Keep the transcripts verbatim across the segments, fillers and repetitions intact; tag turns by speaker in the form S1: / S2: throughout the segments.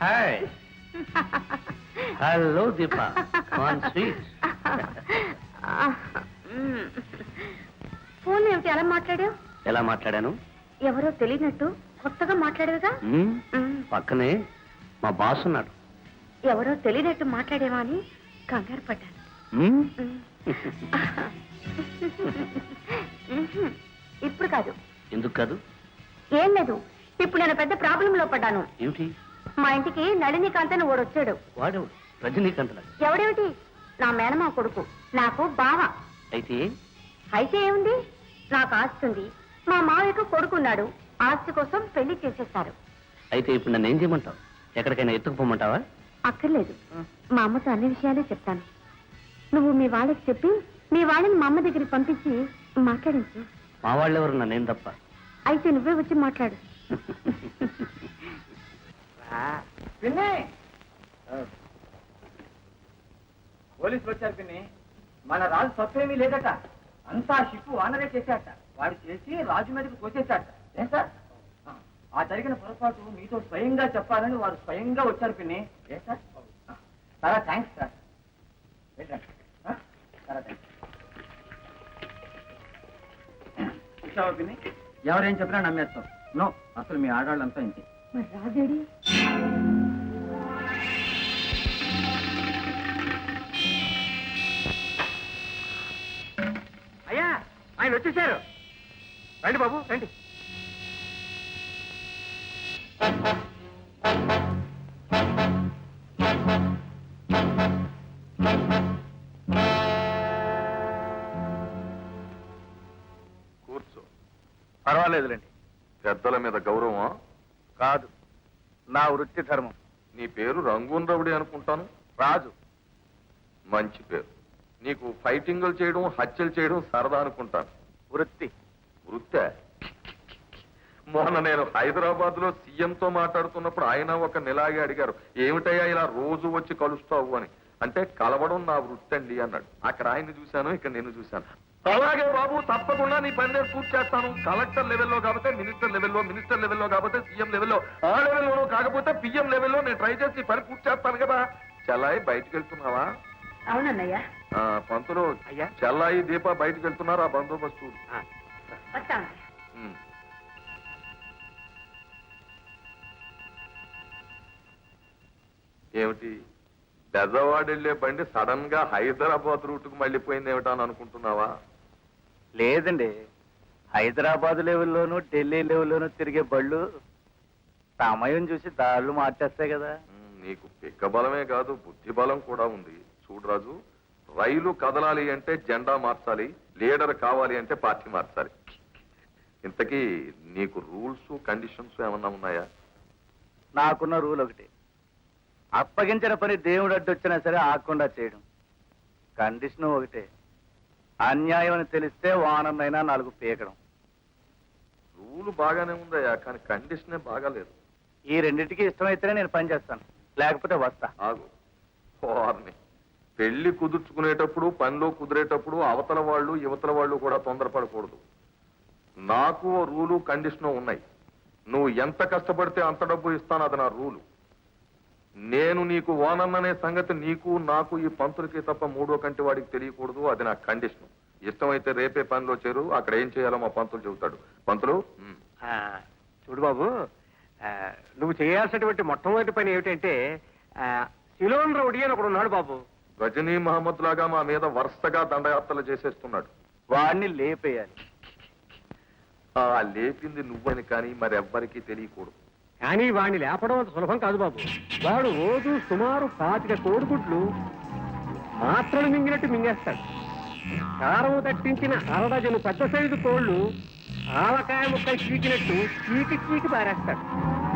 S1: Hi. Hello Deepa, కాన్ sweet.
S2: Phone ఏమిటి అలా మాట్లాడావు?
S1: ఎలా మాట్లాడాను?
S2: ఎవరో తెలియనట్టు కొత్తగా మాట్లాడేవిగా.
S1: పక్కనే మా బాస్ ఉన్నాడు.
S2: ఎవరో తెలియనట్టు మాట్లాడేవా అని కంగారు పడ్డాను. ఇప్పుడు కాదు.
S1: ఎందుకు కాదు?
S2: ఏం లేదు, ఇప్పుడు నేను పెద్ద ప్రాబ్లం లో పడ్డాను.
S1: ఏమిటి?
S2: మా ఇంటికి నళినీకాంత్ అని ఓడొచ్చాడు.
S1: వాడెవడు? రజనీకాంత్.
S2: ఎవడేమిటి? నా మేనమా కొడుకు, నాకు బావ.
S1: అయితే
S2: అయితే ఏముంది, నాకు ఆస్తి ఉంది, మా మావయ్యకు కొడుకున్నాడు, ఆస్తి కోసం పెళ్లి చేసేస్తారు.
S1: అయితే ఇప్పుడు నన్ను ఏం చేయమంటావు? ఎక్కడికైనా ఎత్తుకుపోమంటావా?
S2: అక్కర్లేదు, మా అమ్మతో అన్ని విషయాలే చెప్తాను. నువ్వు మీ వాళ్ళకి చెప్పి మీ వాళ్ళని మా అమ్మ దగ్గరికి పంపించి మాట్లాడించు.
S1: మా వాళ్ళెవరు? నన్నేం తప్ప.
S2: అయితే నువ్వే వచ్చి మాట్లాడు.
S3: పోలీసులు వచ్చారు పిన్ని. మన రాజు తప్పేమీ లేదట, అంతా షిప్ వానరే చేశాట. వాడు చేసి రాజు మీదకి కోసేశాట. ఏం సార్, ఆ జరిగిన పొరపాటు మీతో స్వయంగా చెప్పాలని వారు స్వయంగా వచ్చారు పిన్ని. ఏ సార్, చాలా థ్యాంక్స్ సార్. చాలా థ్యాంక్స్. చూసావా పిన్ని, ఎవరేం చెప్పినా నమ్మేస్తాం. నో, అసలు మీ ఆడవాళ్ళంతా ఇంతే.
S2: మరి రాజేడి?
S3: అయ్యా, ఆయన వచ్చేసారు. రండి బాబు, రండి.
S4: కూర్చో.
S5: పర్వాలేదులేండి.
S4: పెద్దల మీద గౌరవం
S5: కాదు, నా వృత్తి ధర్మం.
S4: నీ పేరు రంగూన్ రవుడి అనుకుంటాను.
S5: రాజు.
S4: మంచి పేరు. నీకు ఫైటింగులు చేయడం, హత్యలు చేయడం సరదా అనుకుంటాను.
S5: వృత్తి.
S4: వృత్తే? మొన్న నేను హైదరాబాద్ లో సీఎంతో మాట్లాడుతున్నప్పుడు ఆయన ఒక నెలాగే అడిగారు, ఏమిటయ్యా ఇలా రోజు వచ్చి కలుస్తావు అని. అంటే కలవడం నా వృత్తి అండి అన్నాడు. అక్కడ ఆయన్ని చూశాను, ఇక్కడ నేను చూశాను. అలాగే బాబు, తప్పకుండా నీ పని నేను పూర్తి చేస్తాను. కలెక్టర్ లెవెల్లో కాకపోతే మినిస్టర్ లెవెల్లో, మినిస్టర్ లెవెల్లో కాకపోతే సీఎం లెవెల్లో, ఆ లెవెల్లోనూ కాకపోతే పిఎం లెవెల్లో నేను ట్రై చేసి పని పూర్తి చేస్తాను కదా. చెల్లాయి బయటకు వెళ్తున్నావా?
S2: అవునన్నయ్య.
S4: పంతులు, చెల్లాయి దీప బయటకు వెళ్తున్నారు. ఆ బందోబస్తు
S2: వస్తాను.
S4: ఏమిటి, బెజవాడ వెళ్లే బండి సడన్ గా హైదరాబాద్ రూట్ కు మళ్ళీపోయింది ఏమిటా అని అనుకుంటున్నావా?
S5: లేదండి, హైదరాబాద్ లెవెల్లోనూ ఢిల్లీ లెవెల్లోనూ తిరిగే బళ్ళు సమయం చూసి దాళ్ళు మార్చేస్తాయి కదా.
S4: నీకు పిక్క బలమే కాదు, బుద్ధి బలం కూడా ఉంది. చూడు రాజు, రైలు కదలాలి అంటే జెండా మార్చాలి, లీడర్ కావాలి అంటే పార్టీ మార్చాలి. ఇంతకీ నీకు రూల్స్ కండిషన్స్ ఏమన్నా ఉన్నాయా?
S5: నాకున్న రూల్ ఒకటి, అప్పగించిన పని దేవుడు అడ్డొచ్చినా సరే ఆకుండా చేయడం. కండిషన్ ఒకటే, అన్యాయం అని తెలిస్తే వానమైనా నాలుగు పీకడం.
S4: రూల్ బాగానే ఉందయ్యా, కానీ కండిషనే బాగాలేదు.
S5: ఈ రెండింటికి ఇష్టమైతేనే నేను పని చేస్తాను, లేకపోతే వస్తా.
S4: ఆగు. వారిని పెళ్లి కుదుర్చుకునేటప్పుడు, పనిలో కుదిరేటప్పుడు అవతల వాళ్ళు యువతల వాళ్ళు కూడా తొందరపడకూడదు. నాకు రూలు కండిషను ఉన్నాయి. నువ్వు ఎంత కష్టపడితే అంత డబ్బు ఇస్తాను, అది నా రూలు. నేను నీకు ఓనన్ననే సంగతి నీకు నాకు ఈ పంతులకి తప్ప మూడో కంటి వాడికి తెలియకూడదు, అది నా కండిషన్. ఇష్టమైతే రేపే పనిలో చేరు, అక్కడ ఏం చేయాలో మా పంతులు చెబుతాడు. పంతులు,
S3: చూడు బాబు, నువ్వు చేయాల్సినటువంటి మొట్టమొదటి పని ఏమిటంటే, సిలోన్ రౌడీ అని ఒకడు ఉన్నాడు బాబు.
S4: గజనీ మహమ్మద్ లాగా మా మీద వరుసగా దండయాత్రలు చేసేస్తున్నాడు.
S5: వాడిని లేపేయాలి.
S4: ఆ లేపింది నువ్వని కానీ మరెవ్వరికీ తెలియకూడదు.
S3: కానీ వాడిని లేపడం అంత సులభం కాదు బాబు. వాడు రోజు సుమారు పాతిక కోడిగుడ్లు మాత్రలు మింగినట్టు మింగేస్తాడు. కారం దట్టించిన అరడజను పెద్ద సైజు కోళ్లు ఆవకాయ ముక్కలు చీకినట్టు చీకి చీకి పారేస్తాడు.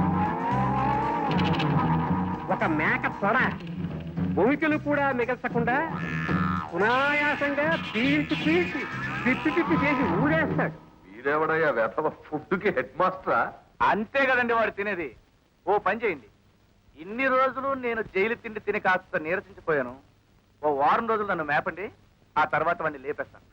S3: ఒక మేక తొడ భూమికలు కూడా మిగల్చకుండా సునాయాసంగా పీల్చి పీల్చి తిప్పి తిప్పి చేసి ఊడేస్తాడు.
S4: వీడెవడయ్యా వెధవ ఫుడ్కి హెడ్ మాస్టరా?
S5: అంతే కదండి వాడు తినేది. ఓ పని చేయండి, ఇన్ని రోజులు నేను జైలు తిండి తిని కాస్త నీరసించిపోయాను. ఓ వారం రోజులు నన్ను మేపండి, ఆ తర్వాత వాడిని లేపేస్తాను.